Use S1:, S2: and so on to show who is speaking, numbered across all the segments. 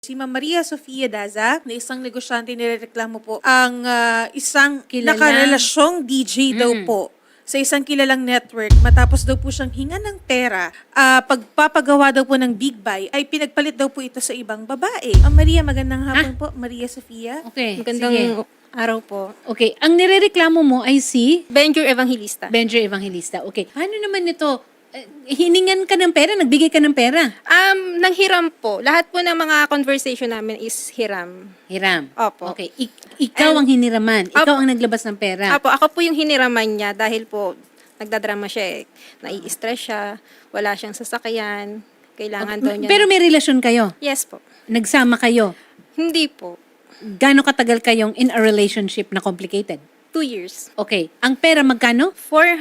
S1: Si Ma'am Maria Sofia Daza, na isang negosyante, nirereklamo po ang isang nakarelasyong DJ daw po sa isang kilalang network matapos daw po siyang hinga ng pera. Pagpapagawa daw po ng Big Buy ay pinagpalit daw po ito sa ibang babae. Ma'am Maria, magandang hapon po. Maria Sofia.
S2: Okay,
S3: Magandang
S2: sige.
S3: araw po.
S2: Okay, ang nirereklamo mo ay si
S3: Benjur Evangelista.
S2: Benjo Evangelista. Okay, paano naman ito? Hiningan ka ng pera? Nagbigay ka ng pera?
S3: Nanghiram po. Lahat po ng mga conversation namin is hiram.
S2: Hiram.
S3: Opo.
S2: Okay, ikaw ang hiniraman. Ikaw ang naglabas ng pera.
S3: Ako po yung hiniraman niya dahil po nagdadrama siya eh. Nai-stress siya, wala siyang sasakyan, kailangan daw niya.
S2: Pero may relasyon kayo?
S3: Yes po.
S2: Nagsama kayo?
S3: Hindi po.
S2: Gaano katagal kayong in a relationship na complicated?
S3: 2 years.
S2: Okay, ang pera magkano?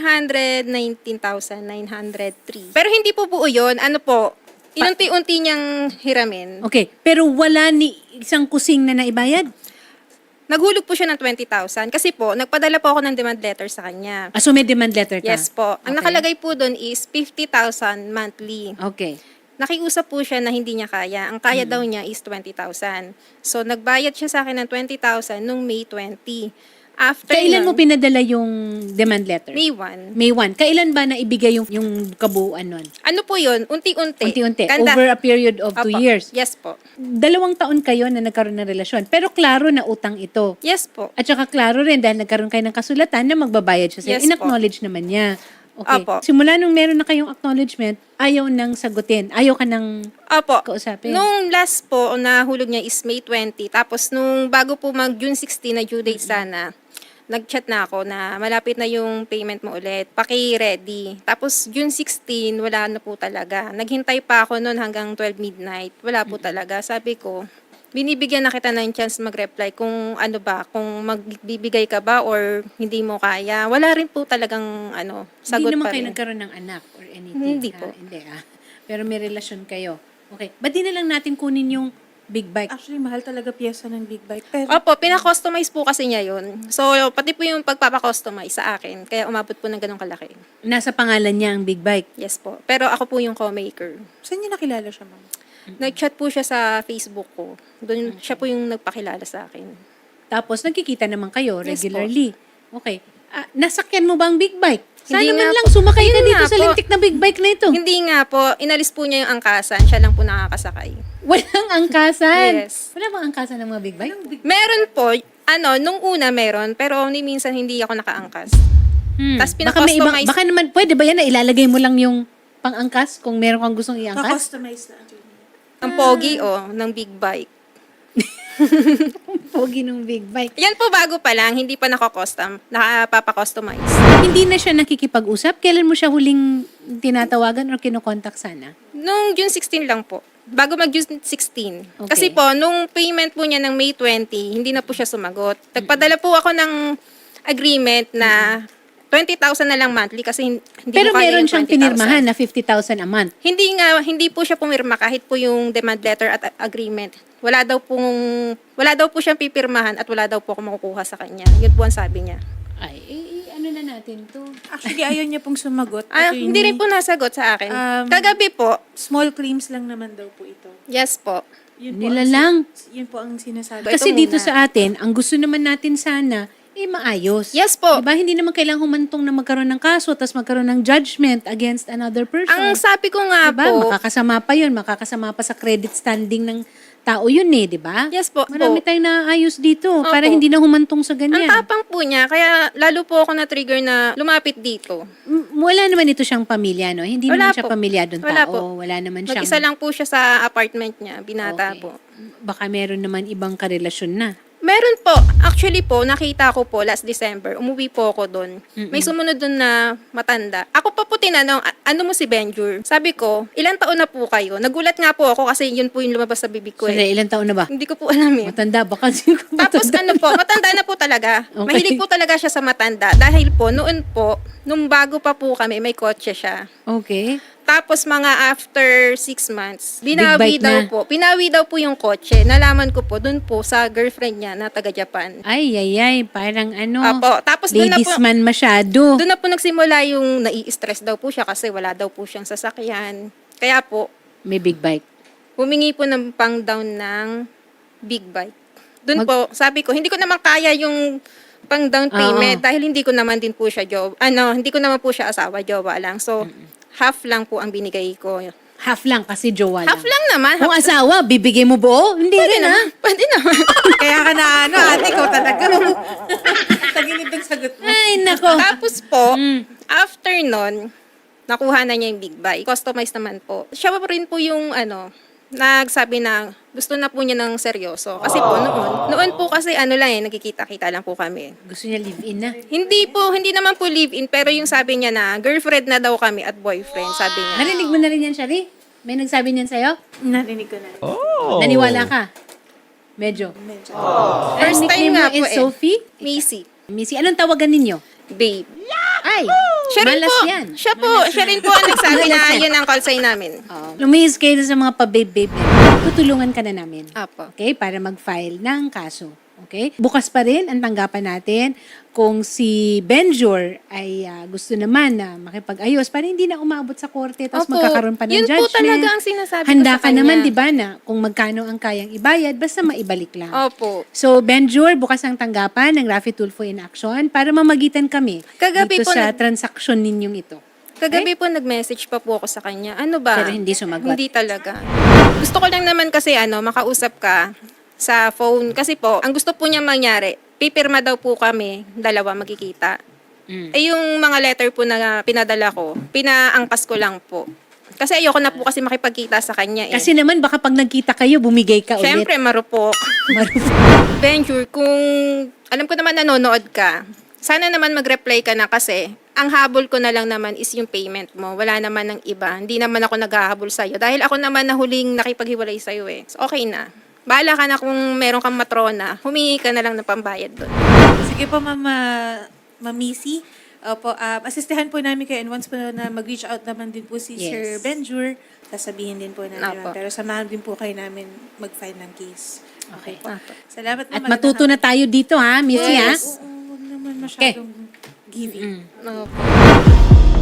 S3: 419,903. Pero hindi po buo yun. Ano po, inunti-unti niyang hiramin.
S2: Okay, pero wala ni isang kusing na naibayad?
S3: Naghulog po siya ng 20,000 kasi po, nagpadala po ako ng demand letter sa kanya.
S2: So may demand letter ka?
S3: Yes po. Ang
S2: Okay.
S3: nakalagay po doon is 50,000 monthly.
S2: Okay.
S3: Nakiusap po siya na hindi niya kaya. Ang kaya daw niya is 20,000. So, nagbayad siya sa akin ng 20,000 nung May 20. After
S2: Kailan mo
S3: nun,
S2: pinadala yung demand letter?
S3: May 1.
S2: May 1. Kailan ba naibigay yung kabuuan nun?
S3: Ano po yun? Unti-unti.
S2: Unti-unti.
S3: Ganda.
S2: Over a period of 2
S3: Opo.
S2: years.
S3: Yes po.
S2: 2 taon kayo na nagkaroon ng relasyon. Pero klaro na utang ito.
S3: Yes po.
S2: At saka klaro rin dahil nagkaroon kayo ng kasulatan na magbabayad siya sa'yo.
S3: Yes po.
S2: In-acknowledge naman niya. Okay.
S3: Opo.
S2: Simula nung meron na kayong acknowledgement, ayaw nang sagutin. Ayaw ka nang
S3: Opo.
S2: kausapin.
S3: Nung last po, nahulog niya is May 20. Tapos, nung bago po mag June 16 na due date sana, nag-chat na ako na malapit na yung payment mo ulit. Paki-ready. Tapos, June 16, wala na po talaga. Naghintay pa ako noon hanggang 12 midnight. Wala po talaga. Sabi ko, binibigyan na kita ng chance mag-reply kung ano ba, kung magbibigay ka ba or hindi mo kaya. Wala rin po talagang sagot
S2: Hindi naman
S3: pa
S2: kayo
S3: rin.
S2: nagkaroon ng anak or anything.
S3: Hindi
S2: ha?
S3: po.
S2: Hindi Pero may relasyon kayo. Okay. Ba't di na lang natin kunin yung big bike?
S1: Actually, mahal talaga piyesa ng Big Buy. Pero
S3: Opo, pina-customize po kasi niya yun. So, pati po yung pagpapakustomize sa akin. Kaya umabot po ng ganong kalaki.
S2: Nasa pangalan niya ang big bike.
S3: Yes po. Pero ako po yung co-maker.
S1: saan niyo nakilala siya, ma'am?
S3: Nag-chat po siya sa Facebook ko. Doon siya po yung nagpakilala sa akin.
S2: Tapos nagkikita naman kayo
S3: Yes
S2: regularly. Okay. Nasakyan mo ba ang big bike? Sana
S3: Hindi
S2: man
S3: nga
S2: lang
S3: po.
S2: sumakay ka
S3: Yun
S2: dito
S3: nga
S2: sa
S3: po.
S2: lintik na big bike na ito.
S3: Hindi nga po, inalis po niya yung angkasan. Siya lang po nakakasakay.
S2: Walang angkasan.
S3: Yes.
S2: Wala bang angkasan ng mga big bike?
S3: Meron po, nung una meron, pero ni minsan hindi ako nakaangkas. Tapos
S2: Baka may ibang,
S3: pina-customize.
S2: baka naman, pwede ba yan na ilalagay mo lang yung pang-angkas kung meron kang gustong iangkas?
S1: Pa-customize na. attorney.
S3: Ang pogi, ng big bike.
S2: Pogi ng big bike.
S3: Yan po bago pa lang, hindi pa nakapapa-customize.
S2: Hindi na siya nakikipag-usap? Kailan mo siya huling tinatawagan or kinokontak sana?
S3: Nung June 16 lang po. Bago mag-June 16.
S2: Okay.
S3: Kasi po, nung payment po niya ng May 20, hindi na po siya sumagot. Nagpadala po ako ng agreement na 20,000 na lang monthly kasi hindi
S2: Pero
S3: mo kaya
S2: meron
S3: yung
S2: siyang
S3: 20,000.
S2: pinirmahan na 50,000 a month.
S3: Hindi po siya pumirma kahit po yung demand letter at agreement. Wala daw po siyang pipirmahan at wala daw po ako makukuha sa kanya. Yun po ang sabi niya.
S2: Ay, ano na natin to?
S1: Actually, ayaw niya pong sumagot.
S3: Hindi rin po nasagot sa akin. Kagabi po,
S1: Small claims lang naman daw po ito.
S3: yes po.
S1: Yun
S2: Nila
S1: ang,
S2: lang.
S1: Yun po ang sinasabi.
S3: Ito
S2: Kasi dito
S3: muna.
S2: sa atin, ang gusto naman natin sana, maayos.
S3: Yes po.
S2: Diba? Hindi naman kailangang humantong na magkaroon ng kaso tapos magkaroon ng judgment against another person.
S3: Ang sabi ko nga
S2: diba?
S3: po,
S2: Makakasama pa yun. Makakasama pa sa credit standing ng tao yun di ba?
S3: yes po.
S2: Marami tayong naayos dito para
S3: Opo.
S2: hindi na humantong sa
S3: Ang
S2: ganyan.
S3: tapang po niya, kaya lalo po ako na-trigger na lumapit dito.
S2: Wala naman ito siyang pamilya, no? Hindi
S3: Wala
S2: naman siya
S3: po.
S2: pamilyadong
S3: Wala
S2: tao.
S3: po.
S2: Wala naman siyang...
S3: Mag-isa lang po siya sa apartment niya, binata
S2: Okay.
S3: po.
S2: Baka meron naman ibang karelasyon na.
S3: Meron po. Actually po, nakita ko po last December, umuwi po ako doon. May sumunod doon na matanda. Ako pa po tinanong, ano mo si Benjur? Sabi ko, ilang taon na po kayo? Nagulat nga po ako kasi yun po yung lumabas sa bibig ko
S2: Sandali, ilang taon na ba?
S3: Hindi ko po alam eh.
S2: Matanda, baka siguro
S3: Tapos
S2: matanda.
S3: matanda na po talaga.
S2: Okay.
S3: Mahilig po talaga siya sa matanda. Dahil po, noon po, nung bago pa po kami, may kotse siya.
S2: Okay.
S3: Tapos mga after 6 months,
S2: Big
S3: binawi
S2: bike
S3: daw
S2: na.
S3: po. Pinawi daw po yung kotse. Nalaman ko po doon po sa girlfriend niya na taga Japan.
S2: Ay, parang ano,
S3: Apo. Tapos doon na
S2: ladies
S3: po,
S2: man masyado.
S3: doon na po nagsimula yung nai-stress daw po siya kasi wala daw po siyang sasakyan. Kaya po,
S2: May big bike.
S3: humingi po ng pang-down ng big bike. Doon po, sabi ko, hindi ko naman kaya yung pang-down payment dahil hindi ko naman din po siya hindi ko naman po siya asawa, jowa lang. So, half lang po ang binigay ko.
S2: Half lang kasi jowa lang.
S3: Half lang naman.
S2: Kung asawa, bibigay mo buo? Hindi rin ha.
S3: Pwede naman.
S1: Kaya ka na ate, ikaw talaga. Tagilid ng sagot mo.
S2: Ay, nako.
S3: Tapos po, after nun, nakuha na niya yung big bike. Customized naman po. Siya pa rin po yung nagsabi na gusto na po niya ng seryoso. Kasi po noon po kasi nagkikita-kita lang po kami.
S2: Gusto niya live-in na.
S3: Hindi naman po live-in, pero yung sabi niya na girlfriend na daw kami at boyfriend, sabi niya.
S2: Narinig mo na rin yan, Shari? May nagsabi niyan sa'yo?
S1: Narinig ko na.
S2: Naniwala ka? Medyo.
S1: Medyo.
S3: First time
S2: nickname
S3: nga
S2: mo
S3: po
S2: is Sophie?
S3: Missy.
S2: Missy, anong tawagan ninyo?
S3: Babe.
S2: Ay,
S3: Siya rin
S2: malas
S3: po,
S2: yan.
S3: siya rin po ang nagsabi
S2: Malas
S3: na
S2: yan.
S3: yun ang call sign namin.
S2: Lumihis kayo sa mga pa-babe-babe. Tutulungan ka na namin.
S3: Apo.
S2: Okay? Para mag-file ng kaso. Okay? Bukas pa rin ang tanggapan natin kung si Benjur ay gusto naman na makipag-ayos para hindi na umabot sa korte tapos
S3: Opo.
S2: magkakaroon pa ng
S3: Yun
S2: judgment.
S3: po talaga ang sinasabi ko
S2: Handa
S3: sa
S2: ka
S3: kanya.
S2: naman, di ba, na kung magkano ang kayang ibayad, basta maibalik lang.
S3: Opo.
S2: So, Benjur, bukas ang tanggapan ng Raffy Tulfo in Action para mamagitan kami
S3: Kagabi
S2: dito
S3: po
S2: sa transaksyon ninyong ito.
S3: Kagabi po nag-message pa po ako sa kanya. Ano ba?
S2: Pero hindi sumagot.
S3: Hindi talaga. Gusto ko lang naman kasi makausap ka sa phone. Kasi po, ang gusto po niya mangyari, pipirma daw po kami, dalawa magkikita. Eh yung mga letter po na pinadala ko, pinaangkas ko lang po. Kasi ayoko na po kasi makipagkita sa kanya eh.
S2: Kasi naman, baka pag nagkita kayo, bumigay ka ulit.
S3: Siyempre, marupok. Venture, kung alam ko naman nanonood ka, sana naman mag-reply ka na kasi ang habol ko na lang naman is yung payment mo. Wala naman ng iba. Hindi naman ako naghahabol sa'yo. Dahil ako naman na huling nakipaghiwalay sa'yo eh. So, okay na. Bahala ka na kung meron kang matrona, humingi ka na lang ng pambayad doon.
S1: Sige po, Ma'am Missy. Opo, asistehan po namin kayo and once po na mag-reach out naman din po si
S2: Yes.
S1: Sir Benjur, sasabihin din po namin
S3: Apo.
S1: yun. Pero samahan din po kayo namin mag-file ng case.
S2: Okay.
S3: Apo.
S1: Salamat po.
S2: At matuto na tayo dito, ha, Missy, ha?
S1: Oo, huwag naman masyadong giving.
S3: Opo.